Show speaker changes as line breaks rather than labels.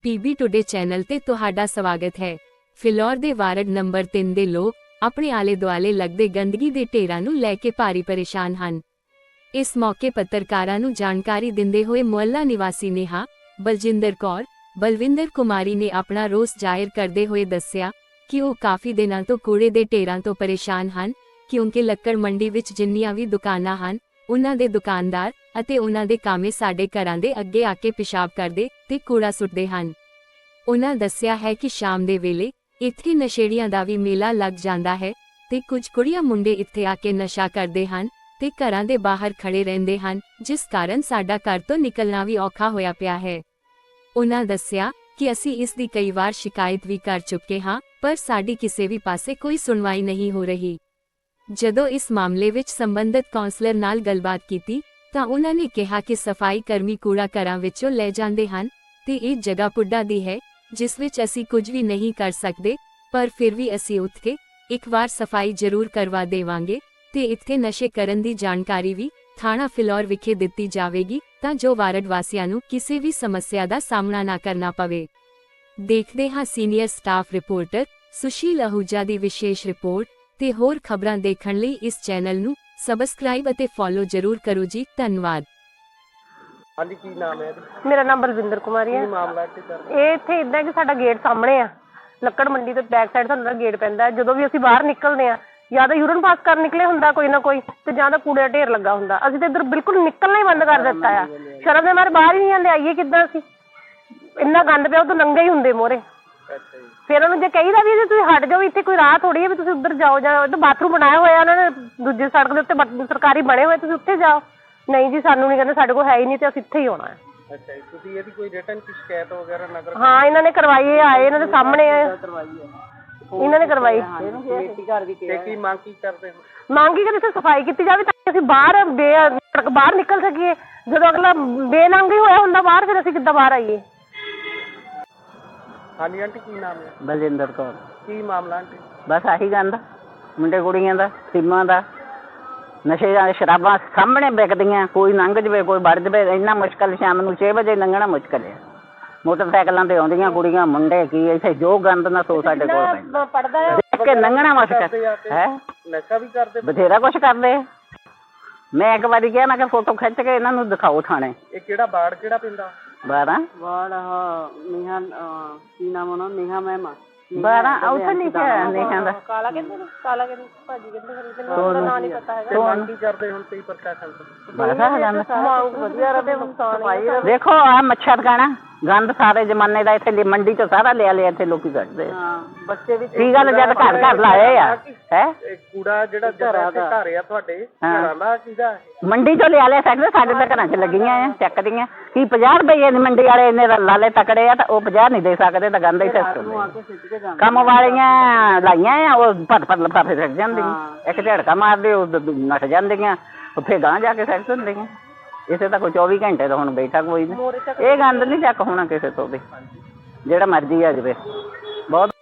PB today channel ਤੇ ਤੁਹਾਡਾ ਸਵਾਗਤ ਹੈ। ਫਿਲੌਰ ਦੇ ਵਾਰਡ ਨੰਬਰ 3 ਦੇ ਲੋਕ ਆਪਣੇ ਆਲੇ ਦੁਆਲੇ ਲੱਗਦੇ ਗੰਦਗੀ ਦੇ ਢੇਰਾਂ ਨੂੰ ਲੈ ਕੇ ਭਾਰੀ ਪਰੇਸ਼ਾਨ ਹਨ। ਇਸ ਮੌਕੇ ਪੱਤਰਕਾਰਾਂ ਨੂੰ ਜਾਣਕਾਰੀ ਦਿੰਦੇ ਹੋਏ ਮੁਹੱਲਾ ਨਿਵਾਸੀ ਨੇਹਾ, ਬਲਜਿੰਦਰ ਕੌਰ, ਬਲਵਿੰਦਰ ਕੁਮਾਰੀ ਨੇ ਆਪਣਾ ਰੋਸ ਜ਼ਾਹਿਰ ਕਰਦੇ ਹੋਏ ਦੱਸਿਆ ਕਿ ਉਹ ਕਾਫੀ ਦਿਨਾਂ ਤੋਂ ਕੂੜੇ ਦੇ ਢੇਰਾਂ ਤੋਂ ਪਰੇਸ਼ਾਨ ਹਨ, ਕਿਉਂਕਿ ਲੱਕੜ ਮੰਡੀ ਵਿੱਚ ਜਿੰਨੀਆਂ ਵੀ ਦੁਕਾਨਾਂ ਹਨ, ਉਹਨਾਂ ਦੇ ਦੁਕਾਨਦਾਰ ਅਤੇ ਉਹਨਾਂ ਦੇ ਕਾਮੇ ਸਾਡੇ ਘਰਾਂ ਦੇ ਅੱਗੇ ਆ ਕੇ ਪਿਸ਼ਾਬ ਕਰਦੇ ਤੇ ਕੂੜਾ ਸੁੱਟਦੇ ਹਨ। ਉਹਨਾਂ ਦੱਸਿਆ ਹੈ ਕਿ ਸ਼ਾਮ ਦੇ ਵੇਲੇ ਇੱਥੇ ਨਸ਼ੇੜੀਆਂ ਦਾ ਵੀ ਮੇਲਾ ਲੱਗ ਜਾਂਦਾ ਹੈ ਤੇ ਕੁਝ ਕੁੜੀਆਂ ਮੁੰਡੇ ਇੱਥੇ ਆ ਕੇ ਨਸ਼ਾ ਕਰਦੇ ਹਨ ਤੇ ਘਰਾਂ ਦੇ ਬਾਹਰ ਖੜੇ ਰਹਿੰਦੇ ਹਨ, ਜਿਸ ਕਾਰਨ ਸਾਡਾ ਘਰ ਤੋਂ ਨਿਕਲਣਾ ਵੀ ਔਖਾ ਹੋਇਆ ਪਿਆ ਹੈ। ਉਹਨਾਂ ਦੱਸਿਆ ਕਿ ਅਸੀਂ ਇਸ ਦੀ ਕਈ ਵਾਰ ਸ਼ਿਕਾਇਤ ਵੀ ਕਰ ਚੁੱਕੇ ਹਾਂ, ਪਰ ਸਾਡੀ ਕਿਸੇ ਵੀ ਪਾਸੇ ਕੋਈ ਸੁਣਵਾਈ ਨਹੀਂ ਹੋ ਰਹੀ। ਜਦੋਂ ਇਸ ਮਾਮਲੇ ਵਿੱਚ ਸੰਬੰਧਿਤ ਕੌਂਸਲਰ ਨਾਲ ਗੱਲਬਾਤ ਕੀਤੀ ਤਾਂ ਉਹਨਾਂ ਨੇ ਕਿਹਾ ਕਿ ਸਫਾਈ ਕਰਮੀ ਕੂੜਾ ਘਰਾਂ ਵਿੱਚੋਂ ਲੈ ਜਾਂਦੇ ਹਨ ਤੇ ਇਹ ਜਗ੍ਹਾ ਪੁੱਡਾ ਦੀ ਹੈ, ਜਿਸ ਵਿੱਚ ਅਸੀਂ ਕੁਝ ਵੀ ਨਹੀਂ ਕਰ ਸਕਦੇ, ਪਰ ਫਿਰ ਵੀ ਅਸੀਂ ਉੱਠ ਕੇ ਇੱਕ ਵਾਰ ਸਫਾਈ ਜ਼ਰੂਰ ਕਰਵਾ ਦੇਵਾਂਗੇ ਤੇ ਇੱਥੇ ਨਸ਼ੇ ਕਰਨ ਦੀ ਜਾਣਕਾਰੀ ਵੀ ਥਾਣਾ ਫਿਲੌਰ ਵਿਖੇ ਦਿੱਤੀ ਜਾਵੇਗੀ ਤਾਂ ਜੋ ਵਾਰਡ ਵਾਸੀਆਂ ਨੂੰ ਕਿਸੇ ਵੀ ਸਮੱਸਿਆ ਦਾ ਸਾਹਮਣਾ ਨਾ ਕਰਨਾ ਪਵੇ। ਦੇਖਦੇ ਹਾਂ senior staff reporter Sushil Ahuja ਦੀ ਵਿਸ਼ੇਸ਼ ਰਿਪੋਰਟ ਤੇ ਹੋਰ ਖਬਰਾਂ ਦੇਖਣ ਲਈ ਇਸ ਚੈਨਲ ਨੂੰ ਸਬਸਕ੍ਰਾਈਬ ਅਤੇ ਫੋਲੋ ਜ਼ਰੂਰ ਕਰੋ ਜੀ। ਧੰਨਵਾਦ।
ਹਾਂਜੀ, ਕੀ ਨਾਮ ਹੈ?
ਮੇਰਾ ਨਾਮ ਬਲਵਿੰਦਰ ਕੁਮਾਰੀ ਹੈ।
ਕੀ ਮਾਮਲਾ ਇੱਥੇ ਸਰ?
ਇਹ ਇੱਥੇ ਇਦਾਂ ਕਿ ਸਾਡਾ ਗੇਟ ਸਾਹਮਣੇ ਆ, ਲੱਕੜ ਮੰਡੀ ਦੇ ਬੈਕ ਸਾਈਡ ਸਾਨੂੰ ਗੇਟ ਪੈਂਦਾ। ਜਦੋਂ ਵੀ ਅਸੀਂ ਬਾਹਰ ਨਿਕਲਦੇ ਆ, ਜਾਂ ਤਾਂ ਯੂਰਨ ਪਾਸ ਕਰਨ ਨਿਕਲੇ ਹੁੰਦਾ ਕੋਈ ਨਾ ਕੋਈ, ਤੇ ਜਾਂ ਤਾਂ ਕੂੜੇ ਦਾ ਢੇਰ ਲੱਗਾ ਹੁੰਦਾ। ਅਸੀਂ ਤਾਂ ਇੱਧਰ ਬਿਲਕੁਲ ਨਿਕਲਣਾ ਹੀ ਬੰਦ ਕਰ ਦਿੱਤਾ ਆ। ਸ਼ਰਮ ਦੇ ਮਾਰੇ ਬਾਹਰ ਹੀ ਨਹੀਂ ਜਾਂਦੇ। ਆਈਏ ਕਿੱਦਾਂ ਅਸੀਂ? ਇੰਨਾ ਗੰਦ ਪਿਆ, ਉਹ ਤਾਂ ਨੰਗੇ ਹੀ ਹੁੰਦੇ ਮੋਰੇ। ਫਿਰ ਉਹਨੂੰ ਜੇ ਕਹੀਦਾ ਵੀ ਤੁਸੀਂ ਹਟ ਜਾਓ, ਇੱਥੇ ਕੋਈ ਰਾਹ ਥੋੜੀ ਹੈ ਵੀ ਤੁਸੀਂ ਉੱਧਰ ਜਾਓ, ਜਾਂ ਉੱਧਰ ਬਾਥਰੂਮ ਬਣਾਇਆ ਹੋਇਆ ਉਹਨਾਂ ਨੇ ਦੂਜੀ ਸੜਕ ਦੇ ਉੱਤੇ, ਸਰਕਾਰੀ ਬਣੇ ਹੋਏ, ਤੁਸੀਂ ਉੱਥੇ ਜਾਓ। ਨਹੀਂ ਜੀ, ਸਾਨੂੰ ਨਹੀਂ ਕਹਿੰਦੇ, ਸਾਡੇ ਕੋਲ ਹੈ ਹੀ ਨਹੀਂ ਤੇ ਅਸੀਂ ਇੱਥੇ ਹੀ ਆਉਣਾ ਹੈ।
ਅੱਛਾ ਜੀ, ਤੁਸੀਂ ਇਹਦੀ ਕੋਈ ਰਿਟਨ ਸ਼ਿਕਾਇਤ ਵਗੈਰਾ ਨਗਰ?
ਹਾਂ, ਇਹਨਾਂ ਨੇ ਕਰਵਾਈ, ਆਏ ਇਹਨਾਂ ਦੇ ਸਾਹਮਣੇ ਇਹਨਾਂ ਨੇ ਕਰਵਾਈ।
ਤੇ ਕੀ ਮੰਗ ਕੀ ਕਰਦੇ ਹੋ?
ਮੰਗ ਹੀ ਕਿ ਇੱਥੇ ਸਫਾਈ ਕੀਤੀ ਜਾਵੇ ਤਾਂ ਅਸੀਂ ਬਾਹਰ ਬਾਹਰ ਨਿਕਲ ਸਕੀਏ। ਜਦੋਂ ਅਗਲਾ ਬੇਨੰਗ ਹੀ ਹੋਇਆ ਹੁੰਦਾ ਬਾਹਰ, ਫਿਰ ਅਸੀਂ ਕਿੱਦਾਂ ਬਾਹਰ ਆਈਏ?
ਹਾਂਜੀ ਆਂਟੀ, ਕੀ ਨਾਮ ਹੈ?
ਬਲਜਿੰਦਰ ਕੌਰ।
ਕੀ ਮਾਮਲਾ ਆਂਟੀ?
ਬਸ ਆਹੀ ਗੰਦ, ਮੁੰਡੇ ਕੁੜੀਆਂ ਦਾ, ਸਿੰਮਾਂ ਦਾ, ਨਸ਼ੇ ਜਾਂ ਸ਼ਰਾਬਾਂ ਸਾਹਮਣੇ ਵਿਕਦੀਆਂ। ਕੋਈ ਲੰਘ ਜਵੇ, ਕੋਈ ਵੜ ਜਵੇ, ਇੰਨਾ ਮੁਸ਼ਕਿਲ। ਸ਼ਾਮ ਨੂੰ 6 ਵਜੇ ਲੰਘਣਾ ਮੁਸ਼ਕਿਲ ਹੈ। ਮੋਟਰਸਾਈਕਲਾਂ ਤੇ ਆਉਂਦੀਆਂ ਕੁੜੀਆਂ ਮੁੰਡੇ, ਕੀ ਇੱਥੇ ਜੋ ਗੰਦ ਨਾ ਸੋ ਸਾਡੇ ਕੋਲ
ਪੜਦਾ
ਦੇਖ ਕੇ ਲੰਘਣਾ ਮੁਸ਼ਕਿਲ ਹੈ।
ਨਸ਼ਾ ਵੀ ਕਰਦੇ?
ਬਥੇਰਾ ਕੁਛ ਕਰਦੇ। ਮੈਂ ਇੱਕ ਵਾਰੀ ਕਿਹਾ, ਮੈਂ ਕਿਹਾ ਫੋਟੋ ਖਿੱਚ ਕੇ ਇਹਨਾਂ ਨੂੰ ਦਿਖਾਓ ਥਾਣੇ।
ਇਹ ਕਿਹੜਾ ਵਾਰਡ ਕਿਹੜਾ ਪੈਂਦਾ?
12
ਨੇਹਾ, ਕੀ ਨਾਮ ਉਹਨਾਂ? ਨੇਹਾ ਮੈਮ
12 ਉੱਥੇ ਲਿਖਿਆ ਨੇਹਾ ਦਾ।
ਕਾਲਾ ਕਹਿੰਦੇ ਨੇ, ਕਾਲਾ ਕਹਿੰਦੇ ਭਾਜੀ ਕਹਿੰਦੇ, ਫਿਰ ਉਹਦਾ ਨਾਂ ਨਹੀਂ ਪਤਾ ਹੈਗਾ।
ਤੇ ਮੰਗ ਕੀ ਕਰਦੇ ਹੁਣ ਤੁਸੀਂ ਪ੍ਰਸ਼ਾਸਨ ਤੋਂ?
ਮੰਗ ਵਧੀਆ ਰਹੇ, ਸਫਾਈ।
ਦੇਖੋ ਆ ਮੱਛਰ ਖਾਣਾ ਗੰਦ ਸਾਰੇ ਜ਼ਮਾਨੇ ਦਾ ਇੱਥੇ ਮੰਡੀ ਚੋਂ ਸਾਰਾ ਲਿਆ ਇੱਥੇ ਲੋਕੀ ਕੱਢਦੇ।
ਬੱਚੇ ਵੀ
ਕੀ ਗੱਲ, ਜਦ ਘਰ ਘਰ ਲਾਏ ਆ ਹੈ।
ਇਹ ਕੂੜਾ ਜਿਹੜਾ ਘਰ ਆ ਤੁਹਾਡੇ ਘਰਾਂ ਦਾ ਕਿਹਦਾ?
ਮੰਡੀ ਚੋਂ ਲਿਆ ਸਕਦੇ, ਸਾਡੇ ਤਾਂ ਘਰਾਂ 'ਚ ਲੱਗੀਆਂ ਆ ਚੱਕਦੀਆਂ। ਕੀ 50 ਰੁਪਏ ਮੰਡੀ ਵਾਲੇ ਇੰਨੇ ਲਾਲੇ ਤਕੜੇ ਆ ਤਾਂ ਉਹ 50 ਨਹੀਂ ਦੇ ਸਕਦੇ, ਤਾਂ ਗੰਦਾ ਹੀ ਸਿਸਟਮ। ਕੰਮ ਵਾਲੀਆਂ ਲਾਈਆਂ ਆ, ਉਹ ਭੱਟ ਲਫਾਫੇ ਸਿੱਟ ਜਾਂਦੀਆਂ। ਇੱਕ ਝੜਕਾ ਮਾਰਦੇ, ਉਹ ਨੱਠ ਜਾਂਦੀਆਂ, ਫਿਰ ਗਾਂਹ ਜਾ ਕੇ ਸਿੱਟ ਹੁੰਦੀਆਂ। ਇਸੇ ਤਾਂ ਕੋਈ 24 ਘੰਟੇ ਤਾਂ ਹੁਣ ਬੈਠਾ ਕੋਈ ਨਹੀਂ। ਇਹ ਗੰਦ ਨਹੀਂ ਚੱਕ ਹੋਣਾ ਕਿਸੇ ਤੋਂ ਵੀ, ਜਿਹੜਾ ਮਰਜ਼ੀ ਆ ਜਾਵੇ। ਬਹੁਤ